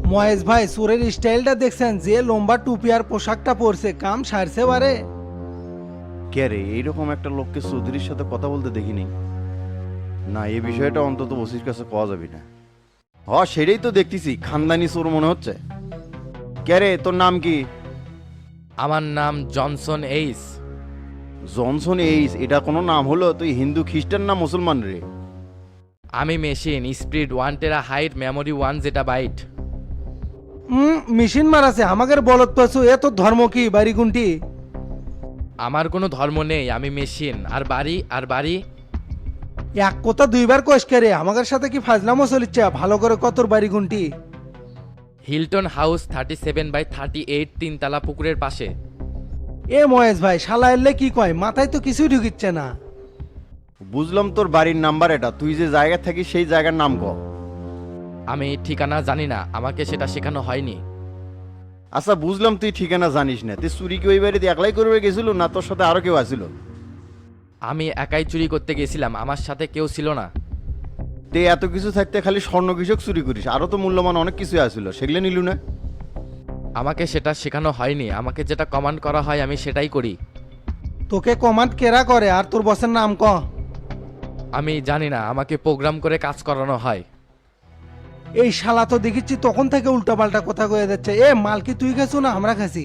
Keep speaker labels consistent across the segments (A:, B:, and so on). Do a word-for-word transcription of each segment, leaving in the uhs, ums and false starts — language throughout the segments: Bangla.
A: মহেশ ভাই সুরের স্টাইলটা দেখছেন, যে লম্বা টুপি আর পোশাকটা পরছে, কাম সারছে বারে।
B: কে রে, এইরকম একটা লোককে চৌধুরীর সাথে কথা বলতে দেখিনি। না, এই বিষয়টা অন্তত ওসির কাছে পাওয়া যাবে না। হ, সেটাই তো দেখতেছি, খানদানি চোর মনে হচ্ছে। কে রে, তোর নাম কি?
C: আমার নাম জনসন এইস।
B: জনসন এইস? এটা কোনো নাম হলো? তুই হিন্দু, খ্রিস্টান না মুসলমান রে?
C: আমি machine speed one tera height memory one যেটা বাইট।
A: হুম, মেশিন মারাছে আমাদের বলত পাছু। এ তোর ধর্ম কি, বাড়ি গুনটি?
C: আমার কোনো ধর্ম নেই, আমি মেশিন। আর বাড়ি আর বাড়ি
A: এক কথা দুইবার কোষ করে আমাদের সাথে কি ফাজলামো চলিচ্ছে? ভালো করে কতর বাড়ি গুনটি?
C: Hilton house thirty seven by thirty eight তিনতলা পুকুরের পাশে।
A: এ মহেশ ভাই, শালা এলে কি কয়, মাথায় তো কিছুই ঢুকিচ্ছে না।
B: বুঝলাম তোর বাড়ির নাম্বার এটা, তুই যে জায়গা থাকিস সেই জায়গার নাম ক।
C: আমি ঠিকানা জানি না, আমাকে সেটা শেখানো হয়নি।
B: আচ্ছা, বুঝলাম তুই ঠিকানা জানিস না। তুই চুরি কি ওই বাড়িতে একলাই করবে গেছিল, না তোর সাথে আরো কেউ আসিল?
C: আমি একাই চুরি করতে গেছিলাম, আমার সাথে কেউ ছিল না।
B: তে এত কিছু থাকতে খালি স্বর্ণ কৃষক চুরি করিস? আরো তো মূল্যবান অনেক কিছু আসিল, সেগুলো নিলু না?
C: আমাকে সেটা শেখানো হয়নি, আমাকে যেটা কমান্ড করা হয় আমি সেটাই করি।
A: তোকে কমান্ড কেরা করে, আর তোর বসের নাম ক।
C: আমি জানি না, আমাকে প্রোগ্রাম করে কাজ করানো হয়।
A: এই শালা তো দেখিচ্ছি তখন থেকে উল্টাপাল্টা কথা কয়ে যাচ্ছে। এ মাল কি তুই খাইছো না আমরা খাসি?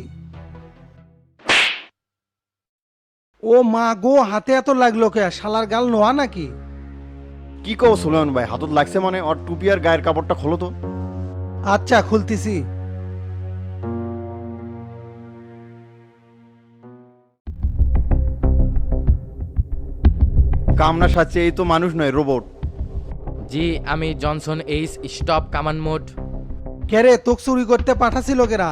A: ও মা গো, হাতে এত লাগলো কে? শালার গাল নোয়া নাকি?
B: কি কও সুলেমান ভাই, হাতত লাগছে মানে? ওর টুপি আর গায়ের কাপড়টা খোলো তো।
A: আচ্ছা, খুলতিছি।
B: কামনা সাচ্ছে, এই তো মানুষ নয়, রোবট।
C: জি, আমি জনসন এইস। স্টপ কামান মোড।
A: কেরে, তোক চুরি করতে পাঠাছিল কেরা?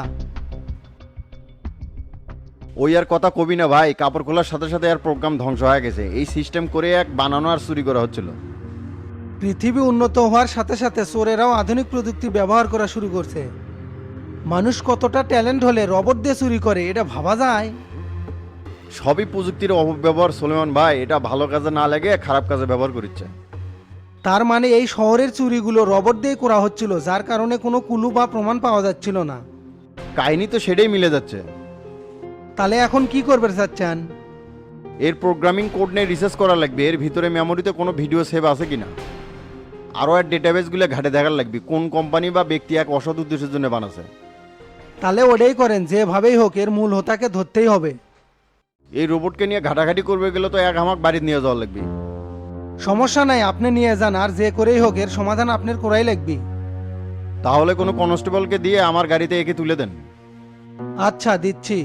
B: ওই আর কথা কবি না ভাই, কাপড় খোলার সাথে সাথে আর প্রোগ্রাম ধ্বংস হয়ে গেছে। এই সিস্টেম করে এক বানানো আর চুরি করা হচ্ছিল।
A: পৃথিবী উন্নত হওয়ার সাথে সাথে চোরেরাও আধুনিক প্রযুক্তি ব্যবহার করা শুরু করছে। মানুষ কতটা ট্যালেন্ট হলে রবট দিয়ে চুরি করে, এটা ভাবা যায়?
B: সবই প্রযুক্তির অপব্যবহার সুলেমান ভাই। এটা ভালো কাজে না লাগে খারাপ কাজে ব্যবহার করছে।
A: তার মানে এই শহরের চুরিগুলো রবট দিয়ে করা হচ্ছিল, যার কারণে কোনো কুলু বা প্রমাণ পাওয়া যাচ্ছিল না।
B: কাহিনী তো সেটাই মিলে যাচ্ছে।
A: তাহলে এখন কি করবে চাচ্ছেন?
B: এর প্রোগ্রামিং কোড নিয়ে রিসার্চ করা লাগবে। এর ভিতরে মেমোরিতে কোনো ভিডিও সেভ আছে কিনা, আরও আর ডেটাবেসগুলো ঘাটে দেখার লাগবে কোন কোম্পানি বা ব্যক্তি এক অসৎ উদ্দেশ্যের জন্য বানাছে।
A: তাহলে ওটাই করেন, যেভাবেই হোক এর মূল হোতাকে ধরতেই হবে।
B: এই রোবটকে নিয়ে ঘাটাঘাটি করবে গেলে তো এক হামাক বাড়িতে নিয়ে যাওয়া লাগবে।
A: সমস্যা নাই, আপনি নিয়ে যান, আর যে করেই হোক এর সমাধান আপনার করাই লাগবে।
B: তাহলে কোনো কনস্টেবলকে দিয়ে আমার গাড়িতে একে তুলে দেন।
A: আচ্ছা, দিচ্ছি।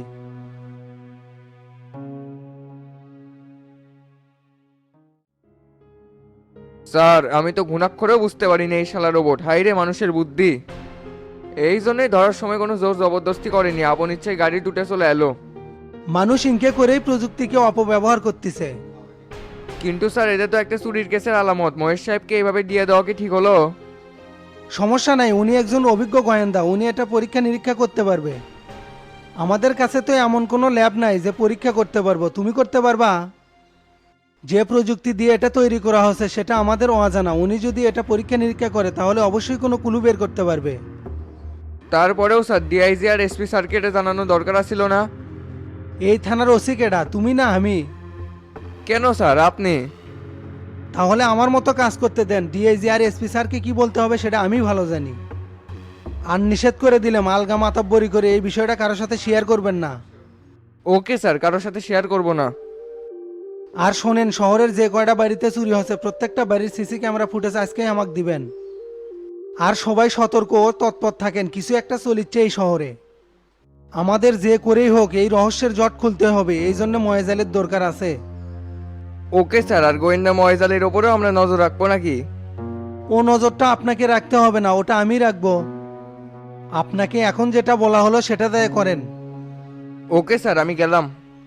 D: স্যার, আমি তো ঘুণাক্ষরেও বুঝতে পারিনি এই শালা রোবট। হাই রে মানুষের বুদ্ধি! এই জন্যই ধরার সময় কোনো জোর জবরদস্তি করেনি, আপন ইচ্ছায় গাড়ি টুটে চলে এলো।
A: মানুষ ইনকে করেই প্রযুক্তিকে অপব্যবহার করতেছে।
D: কিন্তু স্যার, এটা তো একটা চুরির কেসের আলামত। মহেশ সাহেবকে এইভাবে দিয়ে দেওয়া কি ঠিক হলো?
A: সমস্যা নাই, উনি একজন অভিজ্ঞ গোয়েন্দা, উনি এটা পরীক্ষা নিরীক্ষা করতে পারবে। আমাদের কাছে তো এমন কোনো ল্যাব নাই যে পরীক্ষা করতে পারবো। তুমি করতে পারবা? যে প্রযুক্তি দিয়ে এটা তৈরি করা হয়েছে সেটা আমাদের অজানা। উনি যদি এটা পরীক্ষা নিরীক্ষা করে তাহলে অবশ্যই কোনো ক্লু বের করতে পারবে।
D: তারপরেও স্যার, ডিআইজি আর এসপি স্যারকে এটা জানানো দরকার ছিল না?
A: এই থানার ওসি কেডা, তুমি না আমি?
D: কেন স্যার, আপনি?
A: তাহলে আমার মতো কাজ করতে দেন। ডিআইজি আর এসপি স্যারকে কি বলতে হবে সেটা আমি ভালো জানি। আর নিষেধ করে দিলে মালগা মাতাব্বরি করে এই বিষয়টা কারোর সাথে শেয়ার করবেন না।
D: ওকে স্যার, কারোর সাথে শেয়ার করব না।
A: আর শোনেন, শহরের যে কয়টা বাড়িতে চুরি হচ্ছে প্রত্যেকটা বাড়ির সিসি ক্যামেরা ফুটেজ আজকেই আমাকে দিবেন। আর সবাই সতর্ক ও তৎপর থাকেন, কিছু একটা চলিচ্ছে এই শহরে। আমাদের যে করেই হোক এই রহস্যের জট খুলতে হবে, এই জন্য ময়েজালের দরকার আছে।
D: ওকে স্যার, আর গোয়েন্দা মহেজালের ওপরেও আমরা নজর রাখবো নাকি?
A: ও নজরটা আপনাকে রাখতে হবে না, ওটা আমি রাখবো। আপনাকে এখন যেটা বলা হলো সেটা দিয়ে করেন।
D: ওকে স্যার, আমি গেলাম।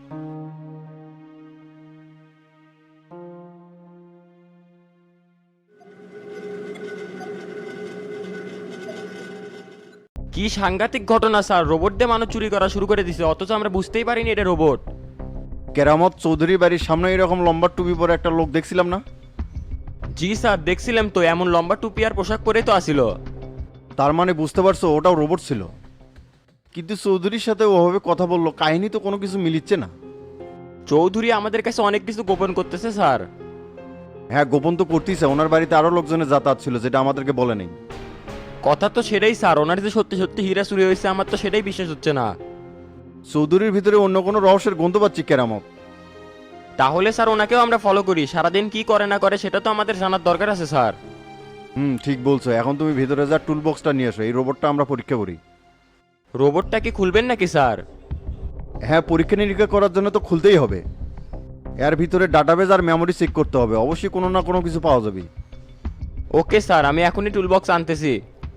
E: কি সাংঘাতিক ঘটনা স্যার, রোবট দিয়ে মানুষ চুরি করা শুরু করে দিছে, অথচ আমরা বুঝতেই পারিনি এটা রোবট।
B: কেরামত চৌধুরী বাড়ির সামনে এরকম লম্বা টুপি পরে একটা লোক দেখছিলাম না?
E: জি স্যার, দেখছিলাম তো, এমন লম্বা টুপি আর পোশাক পরেই তো আসিল।
B: তার মানে বুঝতে পারছো ওটাও রোবট ছিল, কিন্তু চৌধুরীর সাথে ওভাবে কথা বললো, কাহিনী তো কোনো কিছু মিলিচ্ছে না।
E: চৌধুরী আমাদের কাছে অনেক কিছু গোপন করতেছে স্যার।
B: হ্যাঁ, গোপন তো করতেছে, ওনার বাড়িতে আরো লোকজনের যাতায়াত ছিল যেটা আমাদেরকে বলে নেই।
E: কথা তো সেটাই স্যার, ওনার যে সত্যি সত্যি হীরা চুরি হয়েছে আমার তো সেটাই বিশ্বাস হচ্ছে না।
B: চৌধুরীর ভিতরে অন্য কোনো রহস্যের গন্ধ পাচ্ছি কেরামত।
E: তাহলে স্যার ওনাকেও আমরা ফলো করি, সারাদিন কি করে না করে সেটা তো আমাদের জানার দরকার আছে স্যার।
B: হুম, ঠিক বলছো। এখন তুমি ভিতরে যা টুল বক্সটা নিয়ে এসো, এই রোবটটা আমরা পরীক্ষা করি।
E: রোবটটা কি খুলবেন নাকি স্যার?
B: হ্যাঁ, পরীক্ষা নিরীক্ষা করার জন্য তো খুলতেই হবে। এর ভিতরে ডাটাবেজ আর মেমোরি চেক করতে হবে, অবশ্যই কোনো না কোনো কিছু পাওয়া যাবে।
E: ওকে স্যার, আমি এখনই টুলবক্স আনতেছি।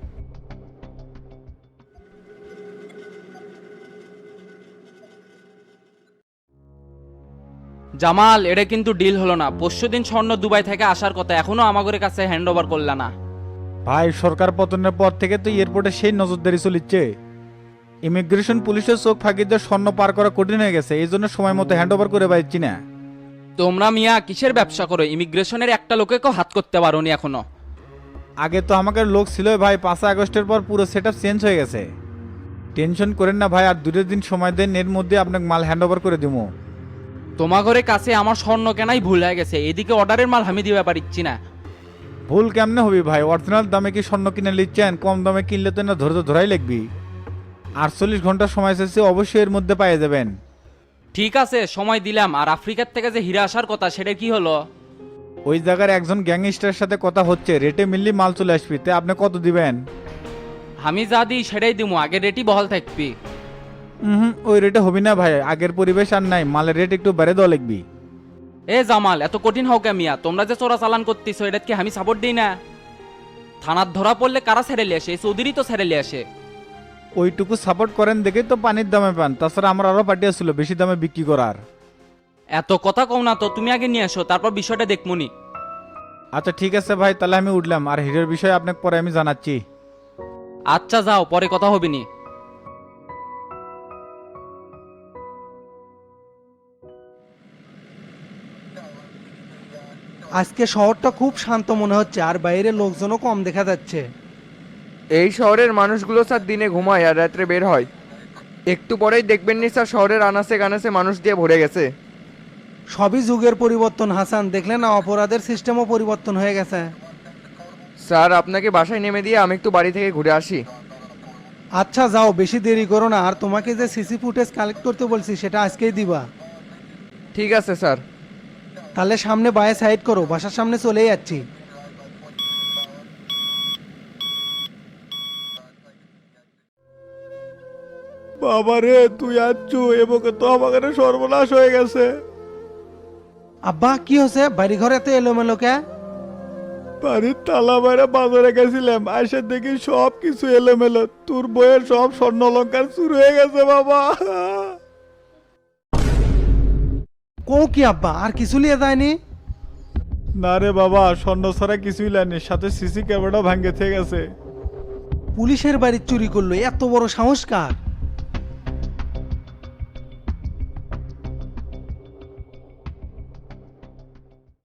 F: জামাল, এটা কিন্তু ডিল হলো না। পরশু দিন স্বর্ণ দুবাই থেকে আসার কথা, এখনো আমাদের কাছে হ্যান্ড ওভার করলা না।
G: ভাই, সরকার পতনের পর থেকে তো এয়ারপোর্টে সেই নজরদারি চলিচ্ছে। ইমিগ্রেশন পুলিশের চোখ ফাঁকি দিয়ে স্বর্ণ পার করা কঠিন হয়ে গেছে, এই জন্য সময় মতো হ্যান্ড ওভার করে পাচ্ছি না।
F: তোমরা মিয়া কিসের ব্যবসা করো? ইমিগ্রেশনের একটা লোকেকেও হাত করতে পারোনি এখনো।
G: আগে তো আমাকে লোক ছিল ভাই, পাঁচই আগস্টের পর পুরো সেট আপ চেঞ্জ হয়ে গেছে। টেনশন করেন না ভাই, আর দুটো দিন সময় দেন, এর মধ্যে আপনাকে মাল হ্যান্ড ওভার করে দিব।
F: তোমাগরে কাছে আমার স্বর্ণ কেনাই ভুল হয়ে গেছে, এদিকে অর্ডারের মাল আমি দিতে পারছি না।
G: ভুল কেমনে হবি ভাই? অরিজিনাল দামে কি স্বর্ণ কিনে নিচ্ছেন? কম দামে কিনলে তো না ধরে তো ধরাই লাগবি। আটচল্লিশ ঘন্টা সময় শেষে অবশ্যই এর মধ্যে পেয়ে যাবেন।
F: ঠিক আছে, সময় দিলাম। আর আফ্রিকার থেকে যে হীরা আসার কথা, সেটা কি হলো?
G: ওই জায়গার একজন গ্যাংস্টারের সাথে কথা হচ্ছে, রেটে মিললি মাল চলে আসবি। তে আপনি কত দিবেন?
F: আমি যা দিই সেটাই দিমু, আগে রেটই বহাল থাকবি।
G: হুম, ওই রেটে হবি না ভাই, আগের পরিবেশ আর নাই, মালের রেট একটু বেড়ে দেওয়া লাগবি।
F: এ জামাল, এত কঠিন হও কে মিয়া? তোমরা যে চোরা চালান করতেছো, এটা কি আমি সাপোর্ট দিই না? থানার ধরা পড়লে কারা ছেড়ে লিয়ে আসে? এই চৌধুরী তো ছেড়ে লিয়ে আসে।
G: ওইটুকু সাপোর্ট করেন দেখে তো পানির দামে পান, তাছাড়া আমার আরো পার্টি ছিল বেশি দামে বিক্রি করার।
F: এত কথা কও না তো, তুমি আগে নিয়ে আসো, তারপর বিষয়টা দেখমুনি।
G: আচ্ছা ঠিক আছে ভাই, তাহলে আমি উঠলাম, আর হিরের বিষয়ে আপনাকে পরে আমি জানাচ্ছি।
F: আচ্ছা যাও, পরে কথা হবে নি।
A: আজকে শহরটা খুব শান্ত মনে হচ্ছে, আর বাইরে লোকজনও কম দেখা যাচ্ছে।
D: এই শহরের মানুষগুলো স্যার দিনে ঘুমায় আর রাত্রে বের হয়। একটু পরেই দেখবেন নি স্যার, শহরের আনাচে কানাচে মানুষ দিয়ে ভরে গেছে।
A: সবই যুগের পরিবর্তন হাসান, দেখলে না অপরাধের সিস্টেমও পরিবর্তন হয়ে গেছে।
D: স্যার আপনাকে বাসায় নেমে দিয়ে আমি একটু বাড়ি থেকে ঘুরে আসি।
A: আচ্ছা যাও, বেশি দেরি করো না। আর তোমাকে যে সিসি ফুটেজ কালেক্ট করতে বলছি সেটা আজকেই দিবা।
D: ঠিক আছে স্যার।
A: তাহলে সামনে বায়ে সাইড করো, বাসার সামনে চলেই যাচ্ছি।
G: বাবারে, তুই আচ্ছু এবকে তো আমাকে সর্বনাশ হয়ে গেছে।
A: আব্বা কি হয়েছে? বাড়ি ঘরে এত এলোমেলো কে?
G: বাড়ির তালা বাইরে বাজারে গেছিলাম, আসে দেখি সব কিছু এলোমেলো। তোর বইয়ের সব স্বর্ণ অলঙ্কার চুরি হয়ে গেছে বাবা।
A: কো কি আব্বা, আর কিছু লিয়ে যায়নি?
G: না রে বাবা, স্বর্ণ ছাড়া কিছুই লাইনি, সাথে সিসি ক্যামেরা ভাঙ্গে থেকে গেছে।
A: পুলিশের বাড়ি চুরি করলো, এত বড় সাহস কার?